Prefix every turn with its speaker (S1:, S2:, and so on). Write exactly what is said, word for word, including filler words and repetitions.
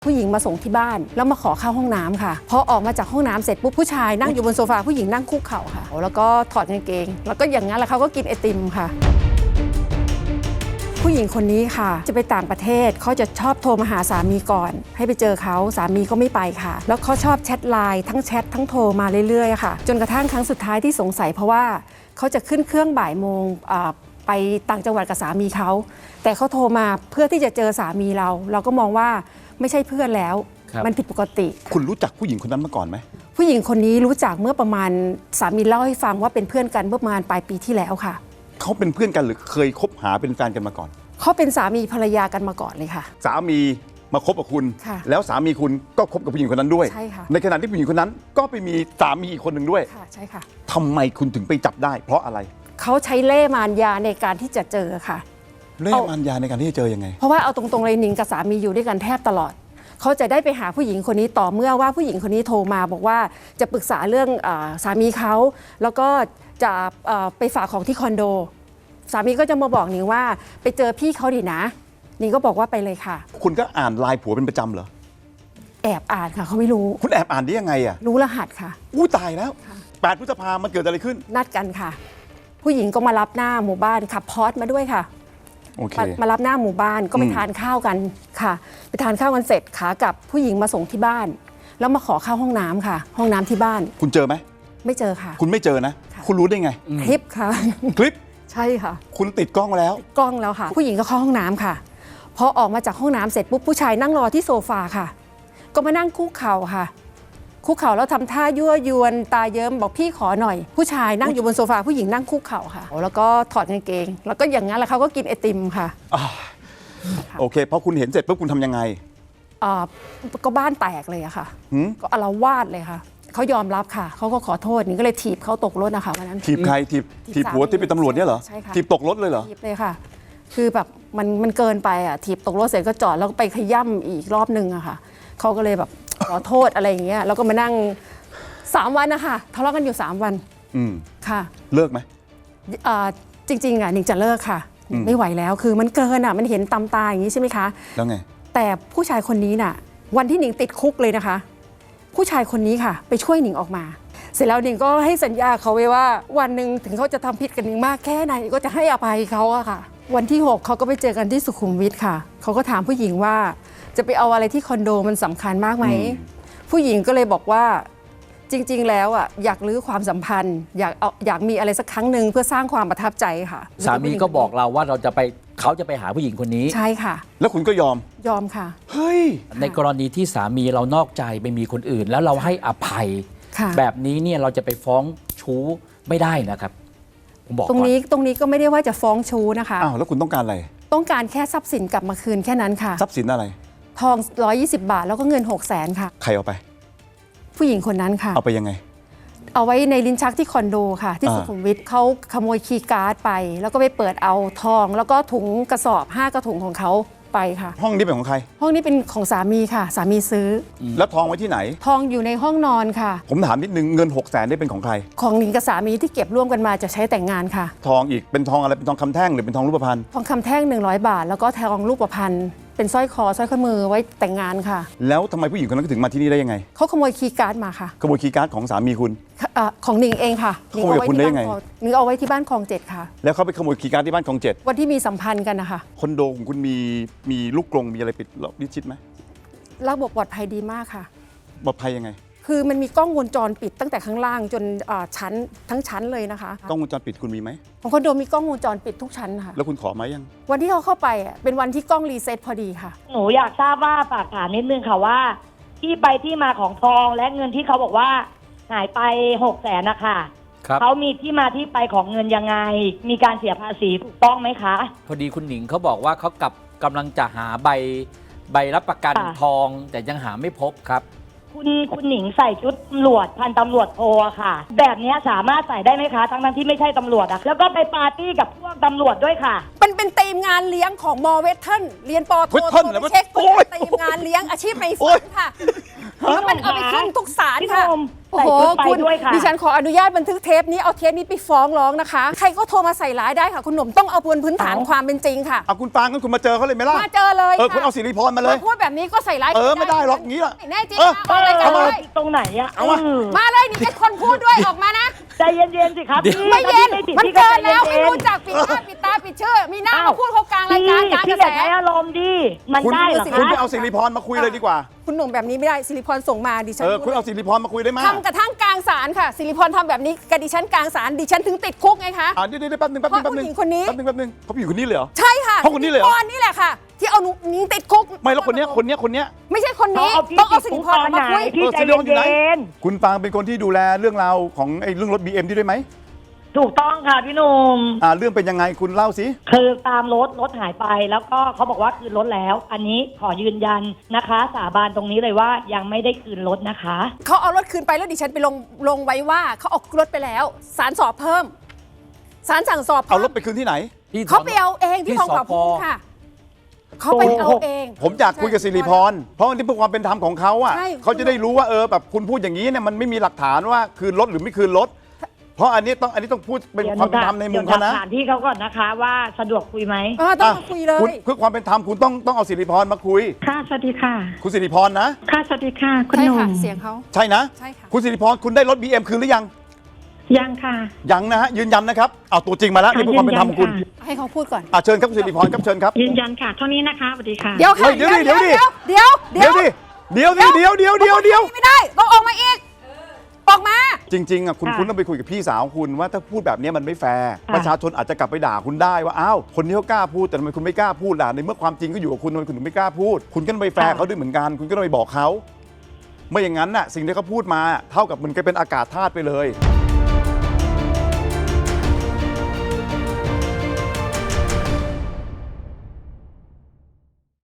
S1: ผู้หญิงมาส่งที่บ้านแล้วมาขอเข้าห้องน้ำค่ะพอออกมาจากห้องน้ำเสร็จปุ๊บผู้ชายนั่งอยู่บนโซฟาผู้หญิงนั่งคุกเข่าค่ะแล้วก็ถอดกางเกงแล้วก็อย่างนั้นแล้วเขาก็กินไอติมค่ะผู้หญิงคนนี้ค่ะจะไปต่างประเทศเขาจะชอบโทรมาหาสามีก่อนให้ไปเจอเขาสามีก็ไม่ไปค่ะแล้วเขาชอบแชทไลน์ทั้งแชททั้งโทรมาเรื่อยๆค่ะจนกระทั่งครั้งสุดท้ายที่สงสัยเพราะว่าเขาจะขึ้นเครื่องบ่ายโมงไปต่างจังหวัดกับสามีเขาแต่เขาโทรมาเพื่อที่จะเจอสามีเราเราก็มองว่าไม่ใช่เพื่อนแล้วมันผิดปกติ
S2: คุณรู้จักผู้หญิงคนนั้นมาก่อนไหม
S1: ผู้หญิงคนนี้รู้จักเมื่อประมาณสามีเล่าให้ฟังว่าเป็นเพื่อนกันเมื่อประมาณปลายปีที่แล้วค่ะ
S2: เขาเป็นเพื่อนกันหรือเคยคบหาเป็นแฟนกันมาก่อน
S1: เขาเป็นสามีภรรยากันมาก่อนเลยค่ะ
S2: สามีมาคบกับคุณแล้วสามีคุณก็คบกับผู้หญิงคนนั้นด้วย
S1: ใช่ค่ะ
S2: ในขณะที่ผู้หญิงคนนั้นก็ไปมีสามีอีกคนหนึ่งด้วย
S1: ค่ะใช่ค่ะ
S2: ทำไมคุณถึงไปจับได้เพราะอะไร
S1: เขาใช้เล่ห์มารยาในการที่จะเจอค่ะ
S2: เล่ห์มารยาในการที่จะเจอยังไง
S1: เพราะว่าเอาตรงๆเลยหนิงกับสามีอยู่ด้วยกันแทบตลอดเขาจะได้ไปหาผู้หญิงคนนี้ต่อเมื่อว่าผู้หญิงคนนี้โทรมาบอกว่าจะปรึกษาเรื่องสามีเขาแล้วก็จะไปฝากของที่คอนโดสามีก็จะมาบอกหนิงว่าไปเจอพี่เขาดินะหนิงก็บอกว่าไปเลยค่ะ
S2: คุณก็อ่านไลน์ผัวเป็นประจำเหรอ
S1: แอบอ่านค่ะเขาไม่รู้
S2: คุณแอบอ่านได้ยังไงอ่ะ
S1: รู้รหัสค่ะ
S2: อู้ตายแล้วแปดพฤษภาคมมันเกิดอะไรขึ้น
S1: นัดกันค่ะผู้หญิงก็มารับหน้าหมู่บ้านขับพอร์ตมาด้วยค่ะมารับหน้าหมู่บ้านก็ไปทานข้าวกันค่ะไปทานข้าวกันเสร็จขากลับผู้หญิงมาส่งที่บ้านแล้วมาขอเข้าห้องน้ำค่ะห้องน้ำที่บ้าน
S2: คุณเจอไหม
S1: ไม่เจอค่ะ
S2: คุณไม่เจอนะคุณรู้ได้ไง
S1: คลิปค่ะ
S2: คลิป
S1: ใช่ค่ะ
S2: คุณติดกล้องแล้ว
S1: กล้องแล้วค่ะผู้หญิงก็เข้าห้องน้ำค่ะพอออกมาจากห้องน้ำเสร็จปุ๊บผู้ชายนั่งรอที่โซฟาค่ะก็มานั่งคุกเข่าค่ะคุกเข่าแล้วทำท่ายั่วยวนตาเยิ้มบอกพี่ขอหน่อยผู้ชายนั่งอยู่บนโซฟาผู้หญิงนั่งคุกเข่าค่ะแล้วก็ถอดกางเกงแล้วก็อย่างนั้นแล้วเขาก็กินไอติมค่ะ
S2: โอเคพอคุณเห็นเสร็จปุ๊บคุณทำยังไง
S1: อ่าก็บ้านแตกเลยอะค่ะก็อาละวาดเลยค่ะเขายอมรับค่ะเขาก็ขอโทษนี่ก็เลยถีบเขาตกรถนะคะวันนั้น
S2: ถีบใครถีบถีบผัวที่เป็นตำรวจเนี่ยเหรอ
S1: ใช่ค่ะ
S2: ถีบตกรถเลยเหรอ
S1: ถีบเลยค่ะคือแบบมันมันเกินไปอ่ะถีบตกรถเสร็จก็จอดแล้วก็ไปขย่ำอีกรอบนึงอะค่ะเขาก็เลยแบบขอโทษอะไรอย่างเงี้ยแล้วก็มานั่งสามวันนะคะทะเลาะกันอยู่สามวัน
S2: อืม
S1: ค่ะ
S2: เลิกไหม
S1: อ่าจริงๆอ่ะหนิงจะเลิกค่ะไม่ไหวแล้วคือมันเกินอ่ะมันเห็นตำตาอย่างนี้ใช่ไหมคะ
S2: แล้วไง
S1: แต่ผู้ชายคนนี้น่ะวันที่หนิงติดคุกเลยนะคะผู้ชายคนนี้ค่ะไปช่วยหนิงออกมาเสร็จแล้วหนิงก็ให้สัญญาเขาไว้ว่าวันหนึ่งถึงเขาจะทำผิดกับหนิงมากแค่ไหนก็จะให้อภัยเขาอะค่ะวันที่หกเขาก็ไปเจอกันที่สุขุมวิทค่ะเขาก็ถามผู้หญิงว่าจะไปเอาอะไรที่คอนโดมันสำคัญมากไหมผู้หญิงก็เลยบอกว่าจริงๆแล้วอ่ะอยากรื้อความสัมพันธ์อยากเอาอยากมีอะไรสักครั้งหนึ่งเพื่อสร้างความประทับใจค่ะ
S3: สามีก็บอกเราว่าเราจะไปเขาจะไปหาผู้หญิงคนนี้
S1: ใช่ค่ะ
S2: แล้วคุณก็ยอม
S1: ยอมค่ะ
S2: เฮ้ย
S3: ในกรณีที่สามีเรานอกใจไปมีคนอื่นแล้วเราให้อภัยแบบนี้เนี่ยเราจะไปฟ้องชู้ไม่ได้นะครับผมบอก
S1: ตรงนี้ตรงนี้ก็ไม่ได้ว่าจะฟ้องชู้นะคะ
S2: อ้าวแล้วคุณต้องการอะไร
S1: ต้องการแค่ทรัพย์สินกลับมาคืนแค่นั้นค่ะ
S2: ทรัพย์สินอะไร
S1: ทองหนึ่งร้อยยี่สิบบาทแล้วก็เงินหกแสนค่ะ
S2: ใครเอาไป
S1: ผู้หญิงคนนั้นค่ะ
S2: เอาไปยังไง
S1: เอาไว้ในลิ้นชักที่คอนโดค่ะที่สุขุมวิทเขาขโมยคีย์การ์ดไปแล้วก็ไปเปิดเอาทองแล้วก็ถุงกระสอบห้ากระถุงของเขาไปค่ะ
S2: ห้องนี้เป็นของใคร
S1: ห้องนี้เป็นของสามีค่ะสามีซื้อ
S2: แล้วทองไว้ที่ไหน
S1: ทองอยู่ในห้องนอนค่ะ
S2: ผมถามนิดนึงเงินหกแสนได้เป็นของใคร
S1: ของหนิงกับสามีที่เก็บร่วมกันมาจะใช้แต่งงานค่ะ
S2: ทองอีกเป็นทองอะไรเป็นทองคำแท่งหรือเป็นทองรูปพรรณ
S1: ทองคำแท่งหนึ่งร้อยบาทแล้วก็ทองรูปพรรณเป็นสร้อยคอสร้อยข้อมือไว้แต่งงานค่ะ
S2: แล้วทำไมผู้หญิงคนนั้นถึงมาที่นี่ได้ยังไง
S1: เขาขโมยคีย์การ์ดมาค่ะ
S2: ขโมยคีย์การ์ดของสามีคุณ
S1: ของหนิงเองค่ะ
S2: ขโมยคุณได้ยังไง
S1: หนิงเอาไว้ที่บ้านคลองเจ็ดค่ะ
S2: แล้วเขาไปขโมยคีย์การ์ดที่บ้านคลองเจ็ด
S1: วันที่มีสัมพันธ์กันนะคะ
S2: คอนโดของคุณมีมีลูกกรงมีอะไรปิดมิดชิดไหม
S1: ระบบปลอดภัยดีมากค่ะ
S2: ปลอดภัยยังไง
S1: คือมันมีกล้องวงจรปิดตั้งแต่ข้างล่างจนชั้นทั้งชั้นเลยนะคะ
S2: กล้องวงจรปิดคุณมีไหม
S1: ของคอนโดมีกล้องวงจรปิดทุกชั้นค่ะ
S2: แล้วคุณขอมายัง
S1: วันที่เขาเข้าไปเป็นวันที่กล้องรีเซ็ตพอดีค่ะ
S4: หนูอยากทราบว่าฝากถามนิดนึงค่ะว่าที่ไปที่มาของทองและเงินที่เขาบอกว่าหายไปหกแสนนะคะเขามีที่มาที่ไปของเงินยังไงมีการเสียภาษีถูกต้องไหมคะ
S3: พอดีคุณหนิงเขาบอกว่าเขากับกำลังจะหาใบใบรับประกันทองแต่ยังหาไม่พบครับ
S4: คุณคุณหนิงใส่ชุดตำรวจพันตำรวจโทค่ะแบบนี้สามารถใส่ได้ไหมคะทั้งนั้นที่ไม่ใช่ตำรวจอะแล้วก็ไปปาร์ตี้กับพวกตำรวจด้วยค่ะ
S1: มันเป็นธีมงานเลี้ยงของมอเวทเทิลเรียนปอโทไปเช็คธีมงานเลี้ยงอาชีพในฝันค่ะแล้วมันเอาไปขึ้นทุกศาลค่ะโอ้
S4: ใส่
S1: โห
S4: ชุดไป
S1: คุณ
S4: ด้วยค่ะ
S1: ดิฉันขออนุญาตบันทึกเทปนี้เอาเทปนี้ไปฟ้องร้องนะคะ ใครก็โทรมาใส่ร้ายได้ค่ะคุณหนุ่มต้องเอาบนพื้นฐาน
S4: เอา
S1: ความเป็นจริงค่ะ
S2: เอาคุณปางงั้นคุณมาเจอเขาเลยไหมล่ะ
S1: มาเจอเลย
S2: เออ
S1: ค่ะ
S2: คุณเอาสิริพรมาเลย
S1: พูดแบบนี้ก็ใส่ร้าย
S2: เออไม่ได้หรอกอย่างนี้ล่ะ
S1: แน่จริง
S2: เออ
S1: มาเลย
S2: เอามา
S1: เลย
S4: ตรงไหนอะ
S2: เอามา
S4: อืม
S1: มาเลยนี่เป็นคนพูดด้วยออกมานะ
S4: ใจเย็นๆสิครับพี่
S1: ไม่เย็น
S4: ถ้าพี่
S1: มัน
S4: ผิด
S1: เกิน
S4: พี่
S1: แล้ว
S4: ใจ
S1: ไม่
S4: เย็น
S1: รู้จักปิดหน้าปิดตาปิดชื่อ มีหน้า
S4: อ้าว
S1: มาพูดเขากลางราย
S4: พี่
S1: การกลางก
S4: พี่
S1: ระ
S4: อย่า
S1: แส
S4: ใช้อารมณ์ดิมัน
S2: คุณ
S4: ได้เหรอ
S2: คุณ
S4: คะ
S2: ไปเอาสิริพรมาคุยเลยดีกว่า
S1: คุณหนุ่มแบบนี้ไม่ได้สิริพรส่งมาดิฉัน
S2: เออคุณเอาสิริพรมาคุยได้ไหม
S1: ทำกระทั่งกลางศาลค่ะสิริพรทำแบบนี้กับดิฉันกลางศาลดิฉันถึงติดคุกไงคะ
S2: อ่าเดี๋ยวเดี๋ยวแป๊บนึงแป๊บนึงแป๊บนึง
S1: เพราะผู้หญิงคนนี้
S2: แป๊บนึงแป๊บนึงเขาผู้หญิงคนนี้เลยเหรอ
S1: ใช่ค่ะ
S2: เพราะคนนี้เลยเหรอ
S1: สิริพรนี่แหละค่ะ ที่เอาหนูหนิงติดคุก
S2: ไม่แล้วคนเนี้ยคนเนี้ยคนเนี้ย
S1: ไม่ใช่คนนี้
S4: เขาเอาพี่
S1: ต้องเอา
S4: ติ
S1: สิ
S4: ด
S1: ริ
S4: คุก
S1: พร
S4: ตอน
S1: มา
S4: ไหน
S1: คุย
S4: พี่
S2: เออ
S4: ใจ
S2: สิริพรอยู่ไหน
S4: เย็น
S2: คุณปางเป็นคนที่ดูแลเรื่องราวของไอ้เรื่องรถ บี เอ็ม ที่ด้วยไหม
S4: ๆถูกต้องค่ะพี่หนุ่ม
S2: อ่าเรื่องเป็นยังไงคุณเล่าสิ
S4: คือตามรถรถหายไปแล้วก็เขาบอกว่าคืนรถแล้ว อันนี้ขอยืนยันนะคะ สาบานตรงนี้เลยว่ายังไม่ได้คืนรถนะคะ
S1: เขาเอารถคืนไปแล้วดิฉันไปลงลงไว้ว่าเขาเอารถไปแล้วศาลสอบเพิ่มศาลสั่งสอบ
S2: เอา
S1: เพิ่ม
S2: รถไปคืนที่ไหน
S3: ที่
S1: เขาไปเอาเองที่
S3: ที่
S1: ทองผา
S3: สพ
S1: ภูมิค่ะเขาไปเอาเอง
S2: ผมอยากคุยกับสิริพรเพราะอันนี้เพื่อความเป็นธรรมของเขาอ่ะ
S1: ใช่
S2: เขาจะได้รู้ว่าเออแบบคุณพูดอย่างนี้เนี่ยมันไม่มีหลักฐานว่าคืนรถหรือไม่คืนรถเพราะอันนี้ต้องอันนี้ต้องพูดเป็นความเป็นธรรมในมุมเขานะ
S4: ดี๋ยวถามที่เขาก่อนนะคะว่าสะดวกคุยไหม
S1: เออต้องมาคุยเลย
S2: คุณเพื่อความเป็นธรรมคุณต้องต้องเอาสิริพรมาคุย
S5: ค่ะ สวัสดีค่ะ
S2: คุณสิริพรนะ
S5: ค่ะ สวัสดีค่ะ คุณ
S1: ใช่
S5: หนุ่
S1: ค่ะ
S5: ม
S1: เสียงเขา
S2: ใช่นะ
S1: ใช่ค่ะ
S2: คุณสิริพรคุณได้รถ บี เอ็ม คืนหรือยัง
S5: ยังค่ะ
S2: ยังนะฮะยืนยันนะครับเอาตัวจริงมาแล้วนี่เพื่อความเป็นธรรมของคุณ
S5: ยืนยัน
S1: ให้เขาพูดก่อน
S2: อ่ะเชิญครับคุณสิริพรครับเชิญครับ
S5: ยืนยันค่ะ เท่านี้นะคะ สวัสดีค่ะ
S1: เดี๋ยวค่ะ
S2: เฮ้ยเดี๋ยวดิเดี๋ยวดิ
S1: เดี๋ยวเดี๋ยว
S2: เดี๋ยวดิเดี๋ยวดิเดี๋ยวเดี๋ยวเดี๋ยวเดี๋ยว
S1: ไม่ได้ต้องออกมาอีกออกมา
S2: จริงๆอ่ะคุณ
S4: ค่ะ
S2: คุณต้องไปคุยกับพี่สาวคุณว่าถ้าพูดแบบนี้มันไม่แฟร์
S4: ค่ะ
S2: ประชาชนอาจจะกลับไปด่าคุณได้ว่าอ้าวคนนี้เขากล้าพูดแต่ทำไมคุณไม่กล้าพูดล่ะในเมื่อความจริงก็อยู่กับคุณทำไมคุณถึงไม่กล้าพูด คุณก็ต้องไปแฟร์เขาด้วยเหมือนกัน คุณก็ต้องไปบอกเขาไม่อย่างนั้นน่ะสิ่งที่เขาพูดมาเท่ากับมันก็เป็นอากาศธาตุไปเลย